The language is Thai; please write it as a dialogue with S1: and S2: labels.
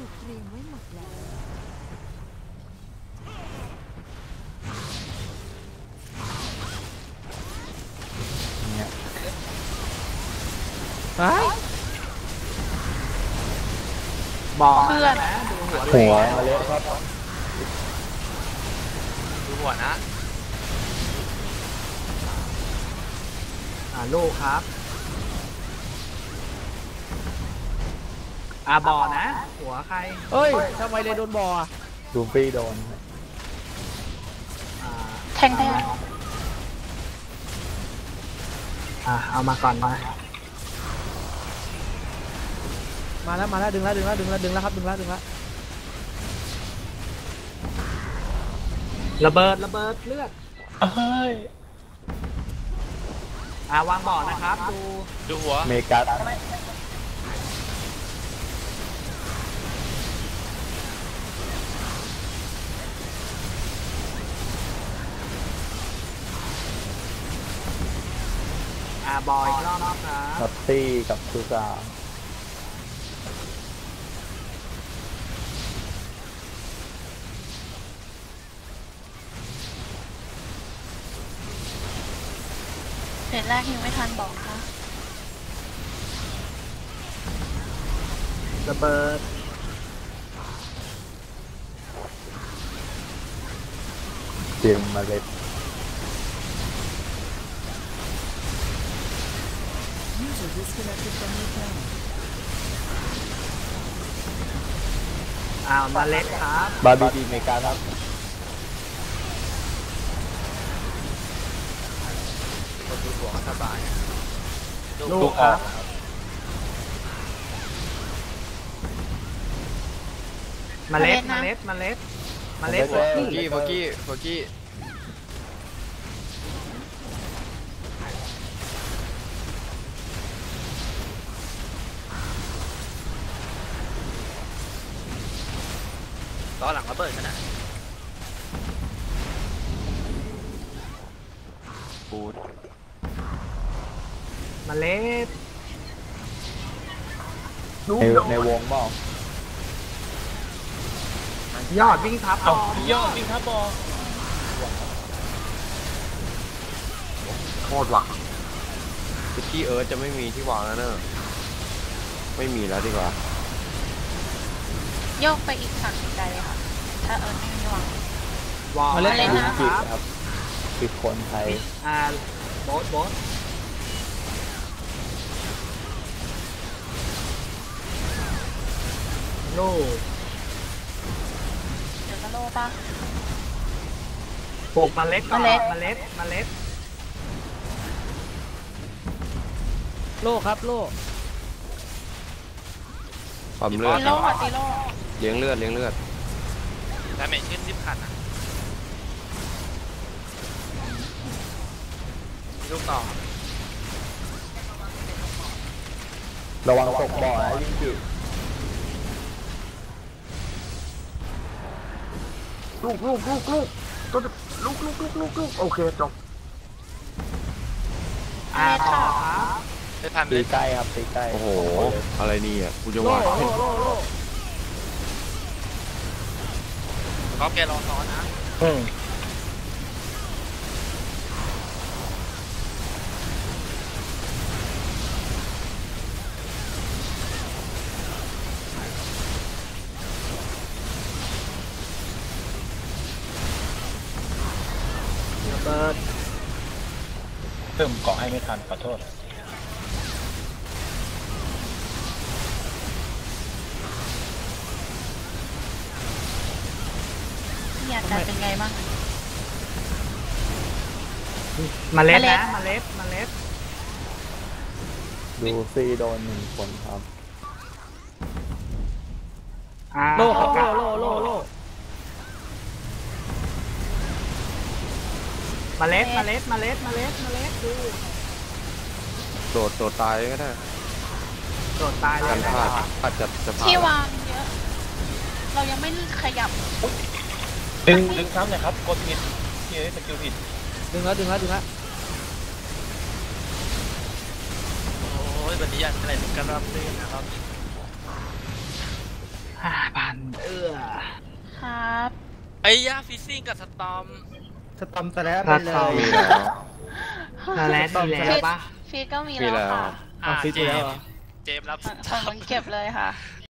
S1: ถูกเตรียมไว้หมดแล้ว
S2: เนี่ย
S3: บอก
S4: เพื่อน
S3: นะดูหัว
S2: หัวมาเล็กครับ
S5: ดูหัวนะ
S3: ลูกครับบอนะหัวใคร
S6: เฮ้ยทำไมเลยโดนบออ่ะ
S2: ดูฟี่โดน
S4: แทง
S3: เอามาก่อนมา
S6: มาแล้วดึงแล้วครับดึงแล้ว
S3: ระเบิดเลือด
S2: เฮ้ยว
S3: างบ่อนะครับดู
S5: หัว
S2: เมกัส
S3: บ่ออีกรอบครับ
S2: นัตตี้กับซูซา
S4: เฟสแรกยังไม่ทันบอกค่ะ
S3: ระเบิด
S2: เตรียมมาเล็ด
S1: User disconnected from your channel
S3: มาเล็กครับ
S2: บาร์บีดีเมกัสครับ
S5: คนดูหัวสบาย
S3: ลูกครับมาเล็ดหัว
S5: โฟ
S3: ขี้
S5: กี้ต่อหลังระเบิดกันนะปูด
S3: มาเล็ด
S2: ในวงบ้าง
S3: ยอดวิ่งทับ
S6: ยอดวิ่งครับบอ
S5: โคตรหวังที่เอิร์ธจะไม่มีที่วางแล้วเนอะไม่มีแล้วดีกว่า
S4: โยกไปอีกฝั่งไกลเลยค่ะ ถ้าไม่มีวาง
S3: มาเล็ด
S4: มาเล็ด
S3: นะ
S4: นะ
S3: ครับ
S2: คือคนไทย
S3: โบ๊ทลูก
S4: เดี๋ยวก็โลป่ะ
S3: ปลูกเมล็ดก่อน
S4: เมล็ด
S3: เมล็ด
S6: โล่ครับโล่
S5: ความเลือด
S4: ตีโล่ตีโล่
S5: เลี้ยงเลือด
S7: ดาเมจขึ้น10,000อ่ะลูกต่อ
S2: ระวังตกบ่อนะยิ่งจิ
S3: ลูกโอเคจบต่อครับ
S7: ได้ทันเล
S2: ตี
S7: ย
S2: ใกล้ครับตีใกล้
S5: โอ้โหอะไรนี่อ่ะกูจะ
S6: โล่
S5: วาง
S6: โล่โล่โล่
S7: ก็แกรอซ้อนนะ
S3: ระเบิด
S2: เพิ่มเกาะให้ไม่ทันขอโทษ
S4: นี่อาการเป็นไงบ้าง
S3: เมล็ด
S4: เมล็ด
S3: นะเมล็ด
S2: ดูซี่โดน1 คนครับ
S6: โล่ครับโล่โล่
S3: เมล็ดดู
S5: โดดตายก็ได้
S3: โดดตายเล
S5: กั
S3: ย
S5: น
S3: นะ
S5: พลาดอาจจะพลา
S4: ที่
S5: ด
S4: วางเยอะ เรายังไม่ขยับ
S2: ดึงซ้ำหน่อยครับกดผิดที่สกิลผิด
S6: ดึงแล้ว
S7: โอ้ยวันนี้อยากอะไรถึงกันรับเล่นนะครับ
S3: ผ่าน
S7: ไอ้ย่าฟิซซิ่งกับสตอม
S6: สตอมสแลป
S3: สตอม
S5: มีแล้ว
S3: มาเลสมีแล้วปะ
S4: ฟีดก็มี
S5: มี
S4: แล้ว
S5: แล้ว
S4: ค่ะ
S6: เอาฟิตไปแล้วเหรอ
S7: เจมส์รับ
S4: ฝั่งมันเก็บเลยค่ะ